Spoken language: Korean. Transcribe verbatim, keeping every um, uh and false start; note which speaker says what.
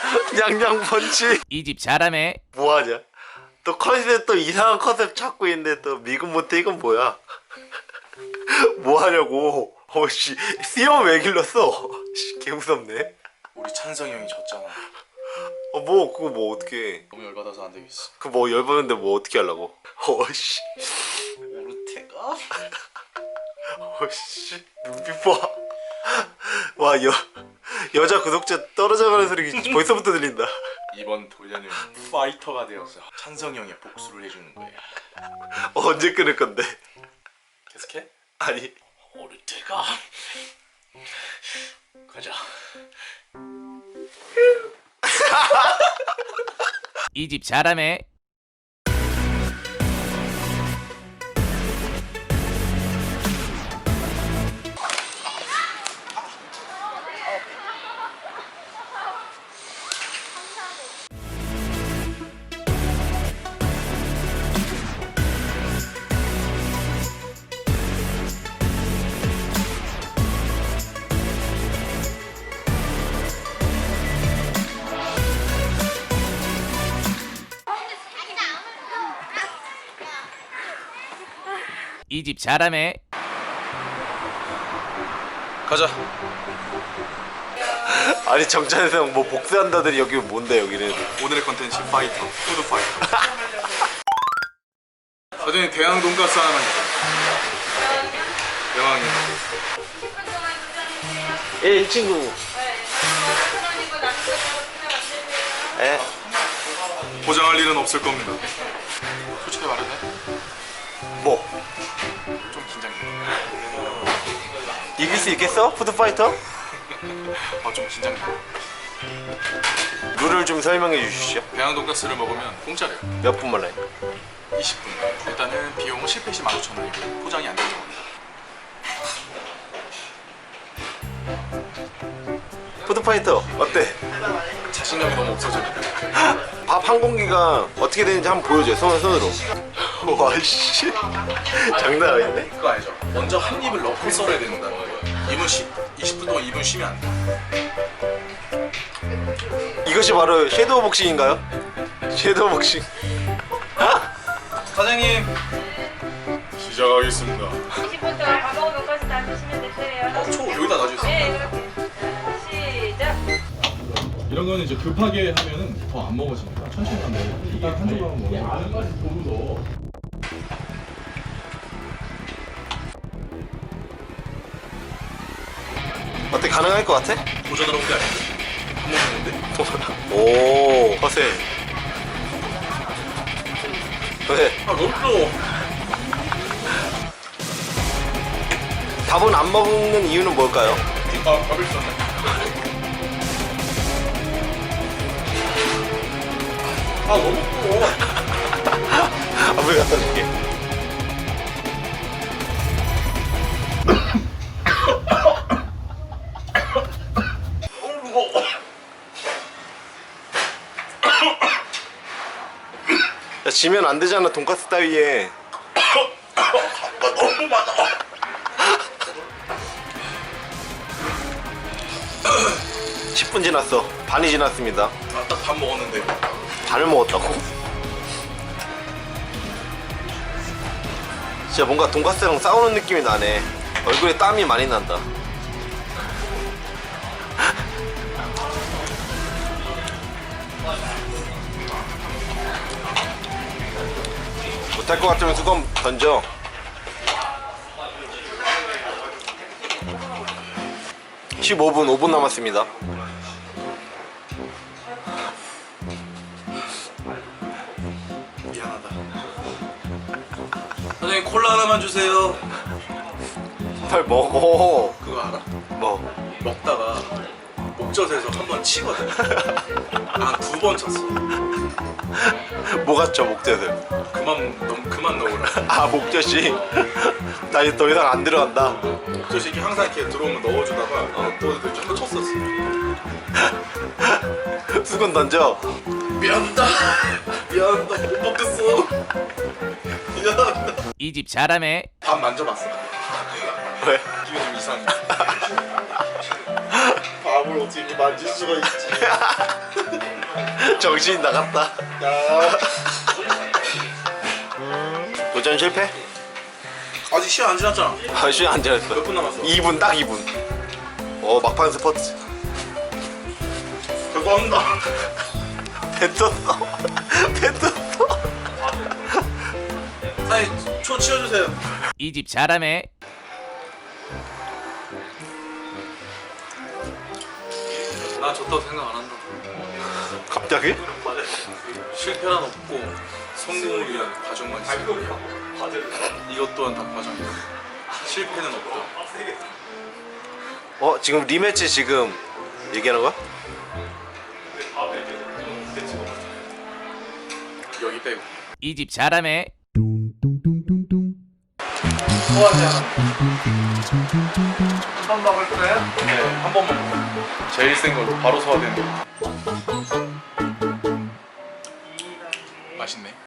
Speaker 1: 냥냥 펀치.
Speaker 2: 이 집 잘하네.
Speaker 1: 뭐하냐? 또 컨셉 또 이상한 컨셉 찾고 있는데 또 미군 못해. 이건 뭐야? 뭐하냐고. 어씨 수염 왜 길렀어? 씨, 개 무섭네.
Speaker 3: 우리 찬성이 형이 졌잖아.
Speaker 1: 어 뭐 그거 뭐 어떻게?
Speaker 3: 너무 열받아서 안 되겠어.
Speaker 1: 그 뭐 열받는데 뭐 어떻게 하려고? 어씨.
Speaker 3: 오르테가?
Speaker 1: 어씨 눈빛 봐. 와 여 여자 구독자 떨어져가는 소리 벌써부터 들린다.
Speaker 3: 이번 돌려는 파이터가 되어서 찬성이 형의 복수를 해주는 거야.
Speaker 1: 어, 언제 끊을 건데?
Speaker 3: 계속해?
Speaker 1: 아니
Speaker 3: 오르테가 가자.
Speaker 2: 이 집 잘하네. 이 집 잘하네.
Speaker 3: 가자.
Speaker 1: 아니 정찬성 뭐 복수한다더니 여기 뭔데 여기는?
Speaker 3: 오늘의 컨텐츠 파이터. 푸드 파이터. 사장님 대왕 돈가스 하나만 주세요. 대왕이요.
Speaker 1: 예, 이 친구. 예.
Speaker 3: 포장할 일은 없을 겁니다. 솔직히 말해도 돼?
Speaker 1: 뭐
Speaker 3: 좀 긴장돼.
Speaker 1: 이길 수 있겠어? 푸드파이터?
Speaker 3: 아, 좀 긴장돼.
Speaker 1: 룰을 좀 설명해 주시죠.
Speaker 3: 대왕 돈가스를 먹으면 공짜래요.
Speaker 1: 몇 분 만에?
Speaker 3: 이십 분. 일단은 비용은 실패 시 만 오천 원이고 포장이 안 될 경우입니다.
Speaker 1: 푸드파이터 어때?
Speaker 3: 자신감이 너무 없어져.
Speaker 1: 밥 한 공기가 어떻게 되는지 한번 보여줘요. 손, 손으로. 와씨 장난 아닌데?
Speaker 3: 그거 알죠? 먼저 한 입을 넣고 썰어야 된다는 거예요. 이분 쉬, 이십 분 동안 이분 쉬면 안 돼.
Speaker 1: 이것이 바로 섀도우 복싱인가요? 섀도우 복싱.
Speaker 3: 사장님 시작하겠습니다.
Speaker 4: 이십 분 동안 밥 먹은 돈까스 다 드시면 되세요.
Speaker 3: 어, 초 여기다 놔주세요.
Speaker 4: 네, 그렇게. 시작.
Speaker 5: 이런 거는 이제 급하게 하면은 더 안 먹어지니까 천천히 하면 일단 한 조각만 먹으면
Speaker 1: 어때? 가능할 것 같아?
Speaker 3: 도전하러 온 게 아닌데? 밥 먹는데?
Speaker 1: 오 허세. 왜?
Speaker 3: 아 너무 뜨거워.
Speaker 1: 밥은 안 먹는 이유는 뭘까요?
Speaker 3: 아 밥을 썼네. 아 너무 뜨거워.
Speaker 1: 밥을 갖다 줄게.
Speaker 3: 너무 무거워.
Speaker 1: 야, 지면 안 되잖아 돈까스 따위에.
Speaker 3: 너무 많아.
Speaker 1: 십 분 지났어. 반이 지났습니다.
Speaker 3: 아 딱 밥 먹었는데.
Speaker 1: 반을 먹었다고? 진짜 뭔가 돈까스랑 싸우는 느낌이 나네. 얼굴에 땀이 많이 난다. 못할 것 같으면 수건 던져. 십오 분, 오 분 남았습니다.
Speaker 3: 미안하다. 사장님 콜라 하나만 주세요.
Speaker 1: 빨리 먹어.
Speaker 3: 그거 알아?
Speaker 1: 뭐
Speaker 3: 먹다가 목젖에서 한 번 치거든. 아 두 번 쳤어.
Speaker 1: 뭐가 쳐 목젖을?
Speaker 3: 그만 너무 그만 넣으라.
Speaker 1: 아 목젖이? 나 이제 더 이상 안 들어간다.
Speaker 3: 목젖이 이렇게 항상 이렇게 들어오면 넣어주다가 어, 또 이렇게 한번 쳤었어.
Speaker 1: 수건 던져.
Speaker 3: 미안하다. 미안하다. 못 먹겠어. 미안하다.
Speaker 2: 이 집 잘하네.
Speaker 3: 밥 만져봤어.
Speaker 1: 왜?
Speaker 3: 기분 좀 이상해. 밥을 어떻게 이렇게 만질 수가 있지?
Speaker 1: 정신이 나갔다.
Speaker 3: 야.
Speaker 1: 도전 실패?
Speaker 3: 아직 시간 안 지났잖아.
Speaker 1: 아, 시간 안 지났어.
Speaker 3: 몇 분 남았어?
Speaker 1: 이 분, 딱 이 분. 어, 막판 스포츠.
Speaker 3: 결과합니다.
Speaker 1: 뱉었어. 뱉었어.
Speaker 3: 사장님 초 치워주세요.
Speaker 2: 이 집 잘하네.
Speaker 3: 나 졌다고 생각 안 한다.
Speaker 1: 갑자기?
Speaker 3: 실패란 없고 성공을 위한 과정만 있어. 이것 또한 다 과정이야. 실패는 없다.
Speaker 1: 어, 지금 리매치 지금 얘기하는 거야?
Speaker 3: 여기 빼고.
Speaker 2: 이 집 잘하네.
Speaker 3: 소화제 한번 먹을 거예요? 네, 한 번만 먹어. 제일 센 걸로 바로 소화되는 거. 맛있네.